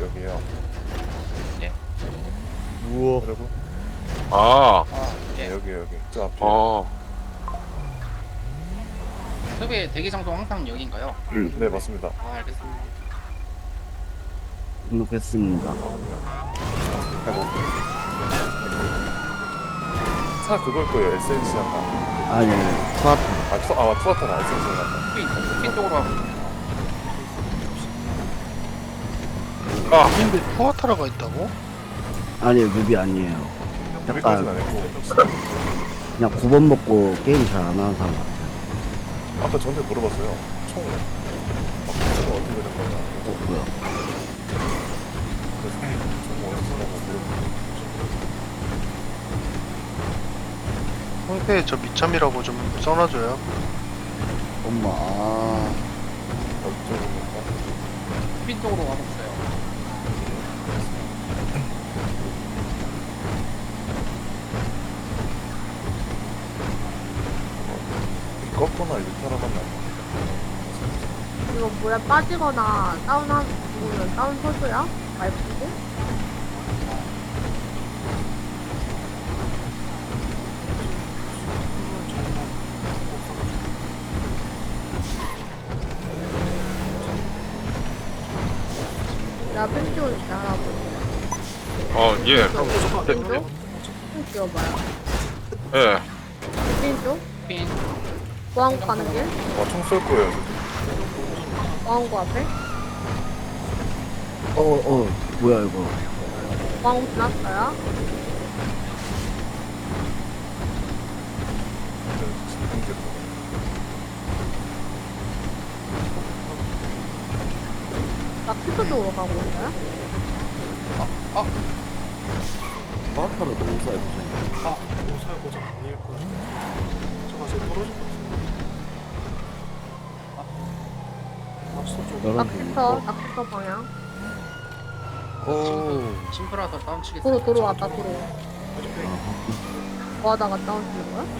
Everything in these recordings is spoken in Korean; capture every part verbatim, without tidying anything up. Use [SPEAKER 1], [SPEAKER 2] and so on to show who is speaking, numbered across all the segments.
[SPEAKER 1] 여기요.
[SPEAKER 2] 예.
[SPEAKER 1] 우와. 그리고
[SPEAKER 3] 아,
[SPEAKER 2] 아,
[SPEAKER 1] 네,
[SPEAKER 2] 예.
[SPEAKER 1] 여기 여기 저 앞에.
[SPEAKER 3] 어,
[SPEAKER 2] 섭외 대기 장소 항상 여기인가요?
[SPEAKER 1] 네 맞습니다.
[SPEAKER 2] 아, 알겠습니다.
[SPEAKER 4] 등록했습니다.
[SPEAKER 1] 아이고. 차 그걸 거예요. 에스엔씨 한다.
[SPEAKER 4] 아니, 아니, 투하트.
[SPEAKER 1] 아, 투, 아 투아타나 에스엔씨 한다.
[SPEAKER 2] 핀, 핀 쪽으로 하고.
[SPEAKER 3] 아,
[SPEAKER 5] 근데 푸아타라가 있다고?
[SPEAKER 4] 아니에요, 뮤비 아니에요.
[SPEAKER 1] 여기까지는
[SPEAKER 4] 약간,
[SPEAKER 1] 아니고.
[SPEAKER 4] 그냥 구 번 먹고 게임 잘 안 하는 사람 같아요.
[SPEAKER 1] 아까 저한테 물어봤어요. 총 막, 총 어떻게 되는 거냐.
[SPEAKER 4] 어, 뭐야.
[SPEAKER 1] 그래서 총 어디서 쓰냐고 물어봤어요.
[SPEAKER 5] 홍대에 저 미참이라고 좀 써놔줘요.
[SPEAKER 4] 엄마, 아.
[SPEAKER 1] 어디 쪽입니까?
[SPEAKER 2] 핀 쪽으로 가고 있어요.
[SPEAKER 1] 꺾거나 일타라 만나.
[SPEAKER 6] 이거 물에 빠지거나 다운한 부분은 다운 소주야? 말고? 나 펜티온 잘하고.
[SPEAKER 3] 어, 예, 그럼,
[SPEAKER 6] 펜 쪽? 펜 끼워봐요.
[SPEAKER 3] 예,
[SPEAKER 6] 펜 쪽?
[SPEAKER 2] 핀,
[SPEAKER 6] 보안구 가는 길?
[SPEAKER 1] 아, 총 쏠 거예요.
[SPEAKER 6] 보안구 앞에?
[SPEAKER 4] 어, 어, 뭐야, 이거.
[SPEAKER 6] 보안구 지났어요? 나 피터 쪽으로 가고 있어요?
[SPEAKER 4] 투하트로 너무 싸요, 보세요.
[SPEAKER 7] 아, 이거 살고 좀 아닐 거야. 잠깐 지금 떨어질 것 같은데. 낙서 쪽.
[SPEAKER 4] 여러
[SPEAKER 6] 낙피터, 낙피터 방향.
[SPEAKER 4] 오.
[SPEAKER 2] 심플하다 다운 치겠어요.
[SPEAKER 6] 도로, 도로 왔다, 도로.
[SPEAKER 7] 어차피
[SPEAKER 6] 뭐 하다가 다운 치는 거야?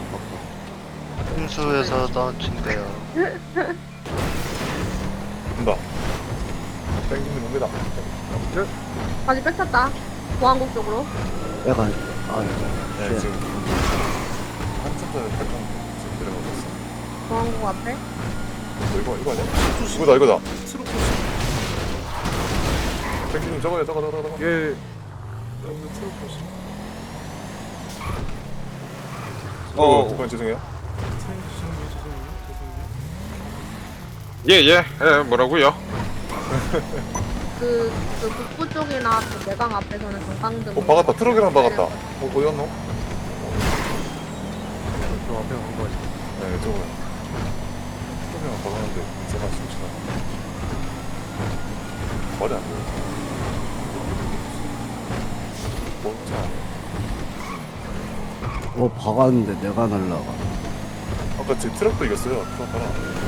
[SPEAKER 5] 훈수에서 나온친대요.
[SPEAKER 1] 온다. 땡기는 옵니다.
[SPEAKER 6] 다시 뺏겼다. 보안국 쪽으로.
[SPEAKER 4] 약간, 아,
[SPEAKER 1] 네,
[SPEAKER 4] 네,
[SPEAKER 1] 지금 한참 전에 탈건 지금 들어가고 있어.
[SPEAKER 6] 보안국 앞에.
[SPEAKER 1] 이거 이거 아니야? 이거다 이거다.
[SPEAKER 7] 스로 코스.
[SPEAKER 1] 땡기는 저거야 저거 저거 저거. 예.
[SPEAKER 7] 여기 스로 코스.
[SPEAKER 1] 어, 잠깐 죄송해요.
[SPEAKER 7] 죄송해요, 죄송해요, 죄송해요.
[SPEAKER 3] 예, 예, 예, 뭐라고요?
[SPEAKER 6] 그, 그 북부 쪽이나 그 내강 앞에서는 경강등.
[SPEAKER 1] 어 박았다. 트럭이랑 박았다. 어 어디 갔노?
[SPEAKER 4] 저 앞에 간 거지.
[SPEAKER 1] 네 저거야. 트럭이랑 박았는데 제가 숨지나. 말이 안 돼. 뭔지 아네.
[SPEAKER 4] 어, 박았는데 내가 날라가.
[SPEAKER 1] 아까 제 트럭도 이겼어요. 트럭하나.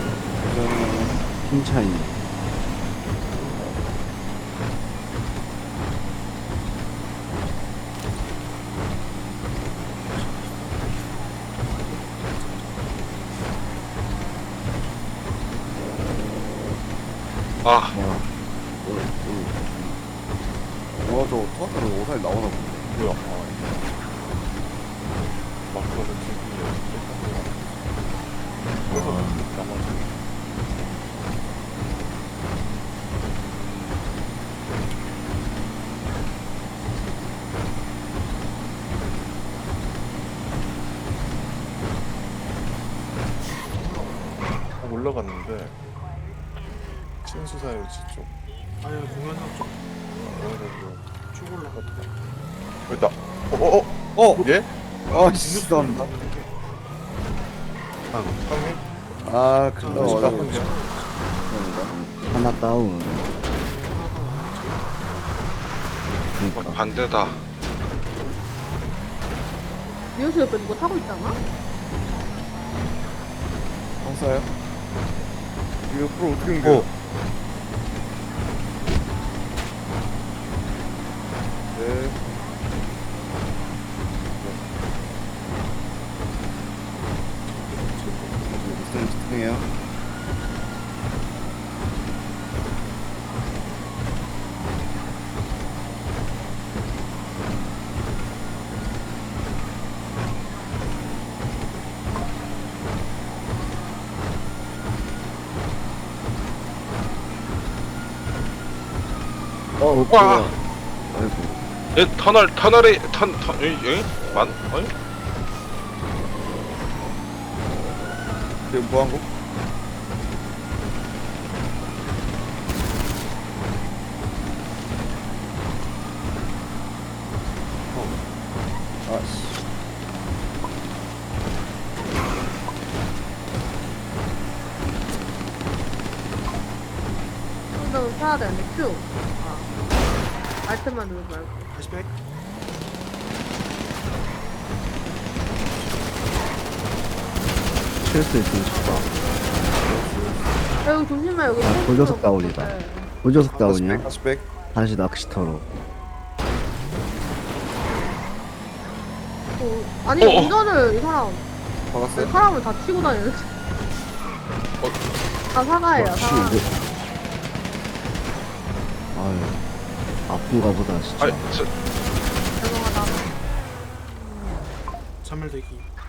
[SPEAKER 4] 힘 차이네.
[SPEAKER 3] 아,
[SPEAKER 4] 뭐야. 와, 저 투하트로 오살 나오나 보네.
[SPEAKER 1] 뭐야? 아, 막 그러는 기분이야. 그래서 나머지. 어, 올라갔는데 신수사일지 쪽
[SPEAKER 7] 아니, 공연장 쪽.
[SPEAKER 1] 그래가지고
[SPEAKER 7] 쭉 올라갔다.
[SPEAKER 1] 됐다. 어어어 어, 어? 예?
[SPEAKER 4] 아, 죄송합니다.
[SPEAKER 1] 형님?
[SPEAKER 4] 아,
[SPEAKER 1] 어,
[SPEAKER 4] 그거
[SPEAKER 1] 진짜
[SPEAKER 4] 어려워.
[SPEAKER 1] 형님?
[SPEAKER 4] 하나 다운.
[SPEAKER 3] 어,
[SPEAKER 4] 그니까.
[SPEAKER 3] 반대다.
[SPEAKER 6] 미우스 옆에 누구 타고 있잖아?
[SPEAKER 4] 형사요? 이거 옆으로 어떻게 옮겨? 네. 무슨 집중해요? 어,
[SPEAKER 3] 와.
[SPEAKER 4] 뭐야. 아이고.
[SPEAKER 3] 얘 터널 터널에 턴 턴, 예? 예? 만? 아니?
[SPEAKER 1] 지금 보안국? 아씨.
[SPEAKER 6] 좀 사야 되는데 큐. 아. 알트만 누르지 말고.
[SPEAKER 7] 다시 백.
[SPEAKER 4] 칠수 있으면 좋다.
[SPEAKER 6] 야, 여기 조심해 여기.
[SPEAKER 4] 아,
[SPEAKER 6] 총
[SPEAKER 4] 돌려서
[SPEAKER 6] 있어.
[SPEAKER 4] 다운이다.
[SPEAKER 6] 네.
[SPEAKER 4] 고저속 다운이야?
[SPEAKER 1] 다시 백.
[SPEAKER 4] 다시 낚시터로.
[SPEAKER 6] 어, 아니
[SPEAKER 3] 어, 어.
[SPEAKER 6] 운전을 이 사람
[SPEAKER 1] 박았어요?
[SPEAKER 6] 사람을 다 치고 다니는. 다 사과해요.
[SPEAKER 4] 역시
[SPEAKER 6] 사과.
[SPEAKER 4] 이거. 아유. 아픈가 보다, 진짜.
[SPEAKER 3] 아니 저,
[SPEAKER 6] 죄송하다.
[SPEAKER 7] 전멸 대기.